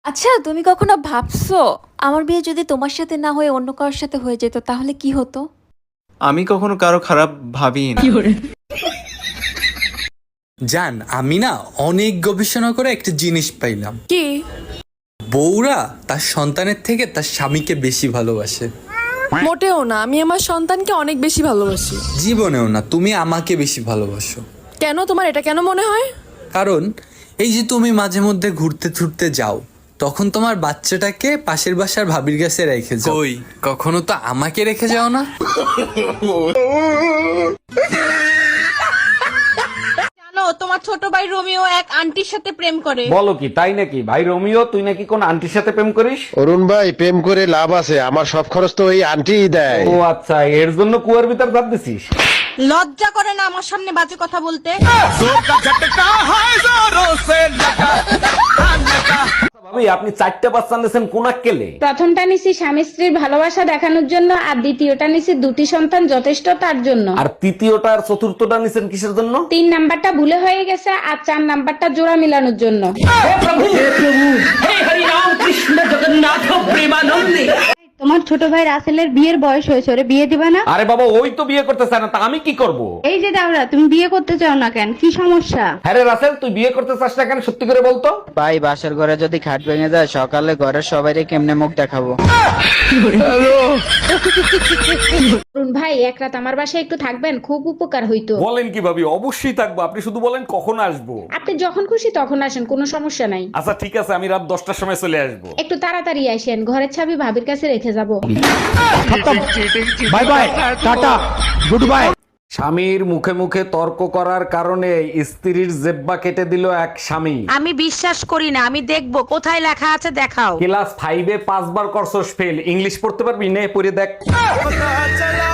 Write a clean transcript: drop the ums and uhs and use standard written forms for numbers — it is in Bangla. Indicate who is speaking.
Speaker 1: আচ্ছা, তুমি কখনো ভাবছো আমার বিয়ে যদি তোমার সাথে না হয়ে অন্য কারোর সাথে হয়ে যেত তাহলে কি হতো?
Speaker 2: আমি কখনো কারো খারাপ ভাবি না।
Speaker 3: জান, আমি না অনেক গবেষণা করে একটা জিনিস পাইলাম।
Speaker 4: কি?
Speaker 3: বউরা তার সন্তানের থেকে তার স্বামীকে বেশি ভালোবাসে।
Speaker 4: মোটেও না, আমি আমার সন্তানকে অনেক বেশি ভালোবাসি।
Speaker 3: জীবনেও না, তুমি আমাকে বেশি ভালোবাসো।
Speaker 4: কেন, তোমার এটা কেন মনে হয়?
Speaker 3: কারণ এই যে তুমি মাঝে মধ্যে ঘুরতে ঘুরতে যাও, তখন তোমার বাচ্চাটাকে পাশের বাসার ভাবির কাছে রেখে যাও। কই, কখনো তো আমাকে রেখে যাও না।
Speaker 5: জানো তোমার ছোট ভাই রোমিও এক আন্টির সাথে প্রেম করে।
Speaker 6: বলো কি, তাই নাকি? ভাই রোমিও, তুই নাকি কোন আন্টির সাথে প্রেম করিস?
Speaker 7: অরুণ ভাই, প্রেম করে লাভ আছে? আমার সব খরচ তো ওই আন্টিই দেয়।
Speaker 6: ও আচ্ছা, এর জন্য কুয়ার ভিতর ভাব দিছিস?
Speaker 5: লজ্জা করে না আমার সামনে বাজে কথা বলতে?
Speaker 6: ভাবি, আপনি 4টা বাচ্চা নিয়েছেন কোন আক্কেলে?
Speaker 8: প্রথমটা নিছি স্বামী স্ত্রীর ভালোবাসা দেখানোর জন্য, আর দ্বিতীয়টা নিছি দুটি সন্তান যথেষ্ট তার জন্য।
Speaker 6: আর তৃতীয়টা আর চতুর্থটা নিছেন কিসের জন্য?
Speaker 8: 3 নাম্বারটা ভুলে হয়ে গেছে, আর 4 নাম্বারটা জোড়া মিলানোর জন্য।
Speaker 9: তোমার ছোট ভাই রাসেলের বিয়ের বয়স হয়েছে, ওরে বিয়ে দিবা না?
Speaker 6: আরে বাবা, ওই তো বিয়ে করতে চায় না, তা আমি কি করব?
Speaker 9: এই যে দাওরা, তুমি বিয়ে করতে চাও না কেন? কি সমস্যা?
Speaker 6: হ্যাঁ রে রাসেল, তুই বিয়ে করতে চাস না কেন, সত্যি করে বলতো?
Speaker 10: ভাই, বাসার ঘরে যদি খাট ভেঙে যায়, সকালে ঘরের সবাইকে কেমনে মুখ দেখাবো?
Speaker 8: অরুণ ভাই, এক রাত আমার বাসায় একটু থাকবেন, খুব উপকার হইতো।
Speaker 6: বলেন কি ভাবি, অবশ্যই থাকবো। আপনি শুধু বলেন কখন আসবো।
Speaker 8: আপনি যখন খুশি তখন আসেন, কোনো সমস্যা নাই।
Speaker 6: আচ্ছা ঠিক আছে, আমি রাত 10টার সময় চলে আসবো।
Speaker 8: একটু তাড়াতাড়ি আসেন, ঘরের চাবি ভাবির কাছে রেখে যাব।
Speaker 6: Bye bye, tata, goodbye. স্বামীর মুখে মুখে তর্ক করার কারণে স্ত্রীর জেব্বা কেটে দিল এক স্বামী।
Speaker 5: আমি বিশ্বাস করি না, আমি দেখবো কোথায় লেখা আছে, দেখাও।
Speaker 6: ক্লাস 5-এ 5 বার করছস ফেল, ইংলিশ পড়তে পারবি? নে পড়ে দেখ।